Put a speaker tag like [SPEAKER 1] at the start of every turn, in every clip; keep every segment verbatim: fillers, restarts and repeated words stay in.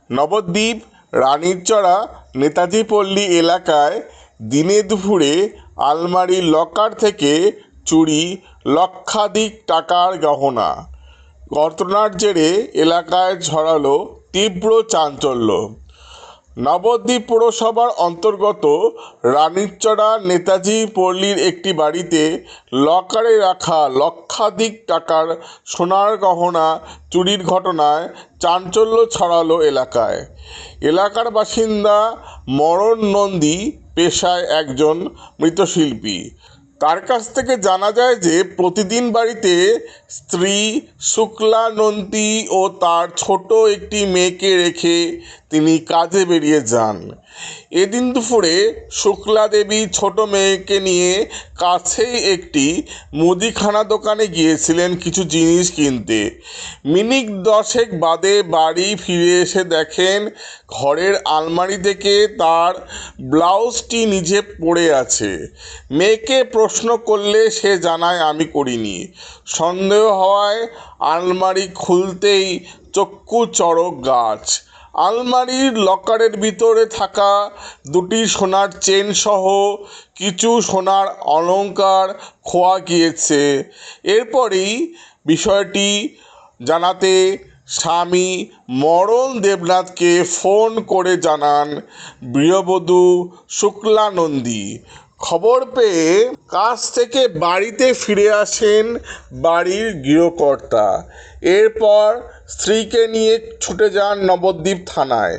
[SPEAKER 1] নবদ্বীপ রানীরচড়া নেতাজি পল্লী এলাকায় দিনে দুপুরে আলমারির লকার থেকে চুরি লক্ষাধিক টাকার গহনা। ঘটনার জেরে এলাকায় ছড়ালো তীব্র চাঞ্চল্য। নবদ্বীপ পৌরসভার অন্তর্গত রানীরচড়া নেতাজি পল্লীর একটি বাড়িতে লকারে রাখা লক্ষাধিক টাকার সোনার গহনা চুরির ঘটনায় চাঞ্চল্য ছড়ালো এলাকায়। এলাকার বাসিন্দা মরণ নন্দী পেশায় একজন মৃৎশিল্পী। তার কাছ থেকে জানা যায় যে প্রতিদিন বাড়িতে স্ত্রী শুক্লা নন্দী ও তার ছোট একটি মেয়েকে রেখে তিনি কাজে বেরিয়ে যান। এদিন দুপুরে শুক্লা দেবী ছোট মেয়েকে নিয়ে কাছেই একটি মুদিখানা দোকানে গিয়েছিলেন কিছু জিনিস কিনতে। মিনিট দশেক বাদে বাড়ি ফিরে এসে দেখেন ঘরের আলমারি থেকে তার ব্লাউজটি নিচে পড়ে আছে। মেয়েকে প্রশ্ন করলে সে জানায়, আমি করিনি। সন্দেহ হওয়ায় আলমারি খুলতেই চক্ষু চড়ক গাছ। আলমারির লকারের ভিতরে থাকা দুটি সোনার চেন সহ কিছু সোনার অলংকার খোয়া গিয়েছে। এরপরই বিষয়টি জানাতে স্বামী মরণ দেবনাথকে ফোন করে জানান গৃহবধূ শুক্লা নন্দী। খবর পেয়ে কাজ থেকে বাড়িতে ফিরে আসেন বাড়ির গৃহকর্তা। এরপর স্ত্রীকে নিয়ে ছুটে যান নবদ্বীপ থানায়।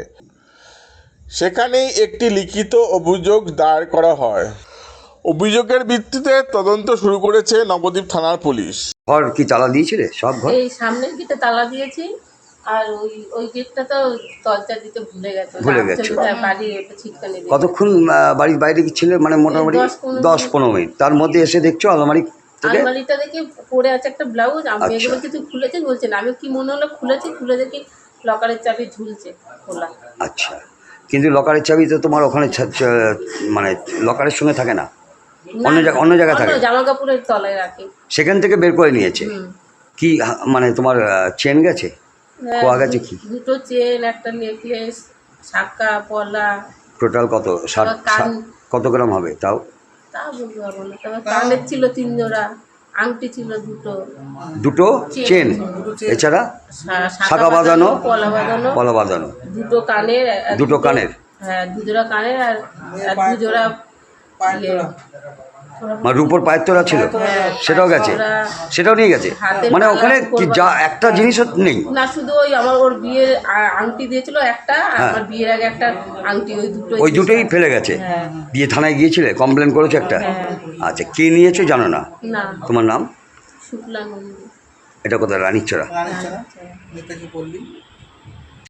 [SPEAKER 1] সেখানেই একটি লিখিত অভিযোগ দায়ের করা হয়। অভিযোগের ভিত্তিতে তদন্ত শুরু করেছে নবদ্বীপ থানার পুলিশ।
[SPEAKER 2] ঘর কি তালা দিয়েছিলে? সব ঘর
[SPEAKER 3] এই সামনের গেটে তালা দিয়েছি, আর ওই ওই গেটটা তো দরজা দিতে ভুলে গেছে
[SPEAKER 2] ভুলে গেছে
[SPEAKER 3] বাড়ি ছিটকানি দিয়ে।
[SPEAKER 2] কতক্ষণ বাড়ির বাইরে কি ছিলে? মানে মোটামুটি দশ পনেরো মিনিট। তার মধ্যে এসে দেখছো আলমারি
[SPEAKER 3] আলমারিটা দেখি পড়ে আছে একটা ব্লাউজ। আমি বলছি তুই খুলেছিস? বলছে না। আমি কি মনে হলো খুলেছি, খুলে দেখি লকারের চাবি ঝুলছে খোলা।
[SPEAKER 2] আচ্ছা, কিন্তু লকারের চাবি তো তোমার ওখানে মানে লকারের সঙ্গে থাকে না, অন্য জায়গা অন্য জায়গায় থাকে,
[SPEAKER 3] জামা কাপড়ের তলায় রাখে।
[SPEAKER 2] সেখান থেকে বের করে নিয়েছে। কি মানে তোমার চেন গেছে, খোয়া গেছে? কি
[SPEAKER 3] দুটো চেন, একটা নেকলেস, শাঁখা, পলা।
[SPEAKER 2] টোটাল কত? কত গ্রাম হবে তাও?
[SPEAKER 3] তা বলতে পারবো না। তবে কানের ছিল তিন জোড়া, আংটি ছিল দুটো,
[SPEAKER 2] দুটো চেন, এছাড়া শাঁখা বাঁধানো,
[SPEAKER 3] পলা বাঁধানো,
[SPEAKER 2] পলা বাঁধানো,
[SPEAKER 3] দুটো কানের,
[SPEAKER 2] দুটো কানের,
[SPEAKER 3] হ্যাঁ দু জোড়া কানের, আর দু জোড়া
[SPEAKER 2] মানে রূপোর পায়ের তোলা ছিল, সেটাও গেছে, সেটাও নিয়ে গেছে। মানে ওখানে কি যা একটা জিনিসও নেই
[SPEAKER 3] না, শুধু ওই আমার ওর বিয়ের আংটি দিয়েছিল একটা, আর আমার বিয়ের আগে একটা আংটি, ওই দুটো
[SPEAKER 2] ওই দুটোই ফেলে গেছে। দিয়ে থানায় গিয়েছিলে, কমপ্লেন করেছো একটা? আচ্ছা, কে নিয়েছো জানো না?
[SPEAKER 3] না।
[SPEAKER 2] তোমার নাম?
[SPEAKER 3] শুক্লা নন্দী।
[SPEAKER 2] এটা কোথায়? রানীরচড়া।
[SPEAKER 3] রানীরচড়া নেতাজি পল্লী।